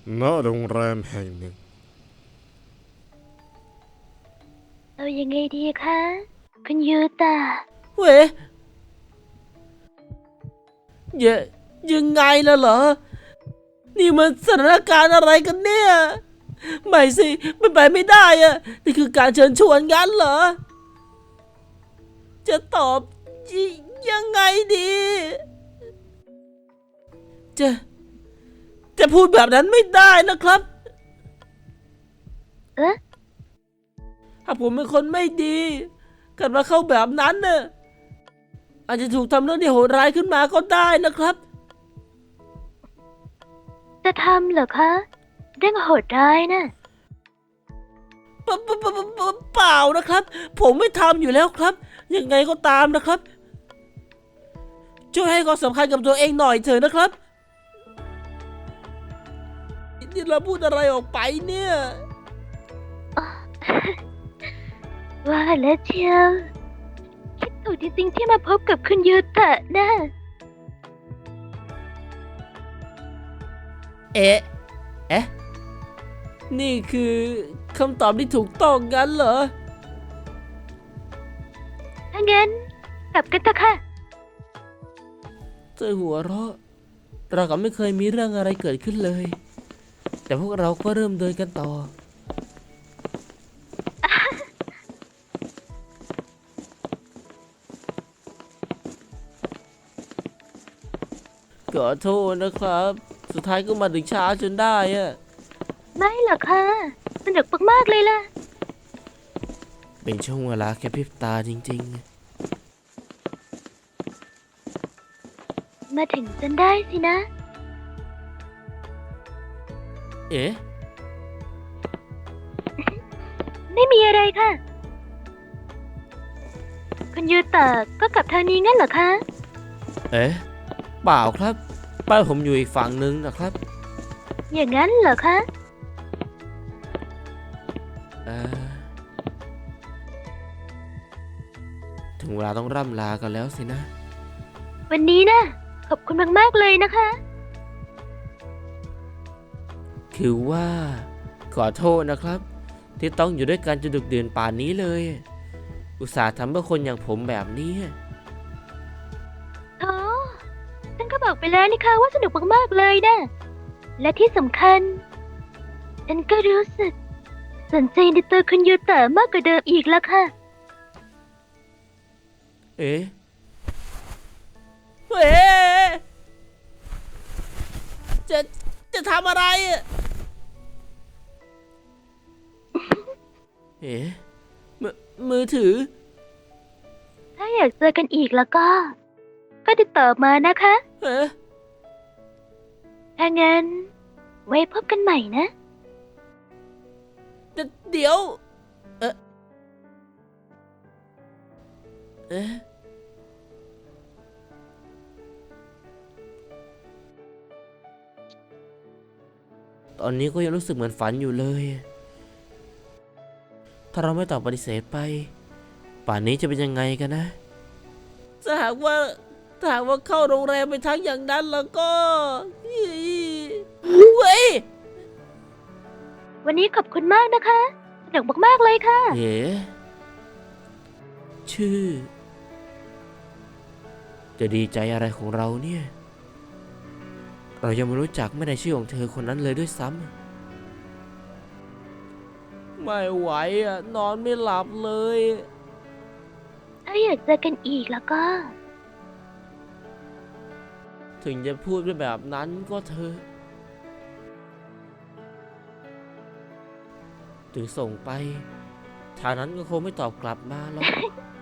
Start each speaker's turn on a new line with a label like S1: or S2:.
S1: ณโรงแรมแห่งหนึ่ง
S2: เอายังไงดีคะคุณยูตา
S3: เว้ยยยังไงล่ะเหรอนี่มันสถานการณ์อะไรกันเนี่ยไม่สิมันไปไม่ได้อะนี่คือการเชิญชวนงั้นเหรอจะตอบยังไงดีจะจะพูดแบบนั้นไม่ได้นะครับถ้าผมเป็นคนไม่ดีเกิดมาเข้าแบบนั้นน่ะอาจจะถูกทำเรื่องที่โหดร้ายขึ้นมาก็ได้นะครับ
S2: จะทำเหรอคะเรื่องโหดร้ายนะ
S3: เปล่านะครับผมไม่ทำอยู่แล้วครับยังไงก็ตามนะครับช่วยให้ความสำคัญกับตัวเองหน่อยเถอะนะครับนี่เราพูดอะไรออกไปเนี่ย
S2: ว่าแล้วเชียวคิดถูกจริงๆที่มาพบกับคุณยูตะนะ
S3: เอ๊ะนี่คือคำตอบที่ถูกต้องงั้นเหรอ
S2: ถ้างั้นกลับกันเถอะค่ะ
S3: เธอหัวเราะเราก็ไม่เคยมีเรื่องอะไรเกิดขึ้นเลยแต่พวกเราก็เริ่มเดินกันต่อขอโทษนะครับสุดท้ายก็มาถึงช้าจนได้อะ
S2: ไม่หรอกค่ะสนุกมากๆเลยล่ะ
S3: เป็นช่วงเวลาแค่พริบตาจริง
S2: มาถึงจนได้สินะ
S3: เอ๊ะ
S2: ไม่มีอะไรค่ะ คุณยูตะก็กลับทางนี้งั้นเหรอคะ
S3: เอ๊ะเปล่าครับบ้านผมอยู่อีกฝั่งนึงนะครับ
S2: อย่างนั้นเหรอคะ
S3: ถึงเวลาต้องร่ำลากันแล้วสินะ
S2: วันนี้นะขอบคุณมากๆเลยนะคะ
S3: คือว่าขอโทษนะครับ ที่ต้องอยู่ด้วยกันจนดึกดื่นป่านนี้เลย อุตส่าห์ทำเพื่อคนอย่างผมแบบนี้
S2: โอ้ฉันก็บอกไปแล้วนี่ค่ะว่าสนุกมากๆเลยนะ และที่สำคัญ ฉันก็รู้สึกสนใจในตัวคุณยูตะมากกว่าเดิมอีกแล้วค่ะ
S3: เอ๊ะเอ๊ะจะทำอะไรอะเอ๊ะมือถือ
S2: ถ้าอยากเจอกันอีกแล้วก็ติดต่อมานะคะ
S3: เอ๊ะ
S2: ถ้างั้น ไว้พบกันใหม่นะ
S3: เดี๋ยว เอ๊ะตอนนี้ก็ยังรู้สึกเหมือนฝันอยู่เลย ถ้าเราไม่ตอบปฏิเสธไป ป่านนี้จะเป็นยังไงกันนะถ้าหากว่าเข้าโรงแรมไปทั้งอย่างนั้นแล้วก็เว้ย
S2: วันนี้ขอบคุณมากนะคะ สนุกมากๆเลยค่ะ
S3: เอ๋ชื่อ จะดีใจอะไรของเราเนี่ย เรายังไม่รู้จักไม่ได้ชื่อของเธอคนนั้นเลยด้วยซ้ำไม่ไหวอ่ะนอนไม่หลับเลย
S2: ถ้าอยากเจอกันอีกแล้วก็
S3: ถึงจะพูดแบบนั้นก็เถอะถึงส่งไปทางนั้นก็คงไม่ตอบกลับมาหรอก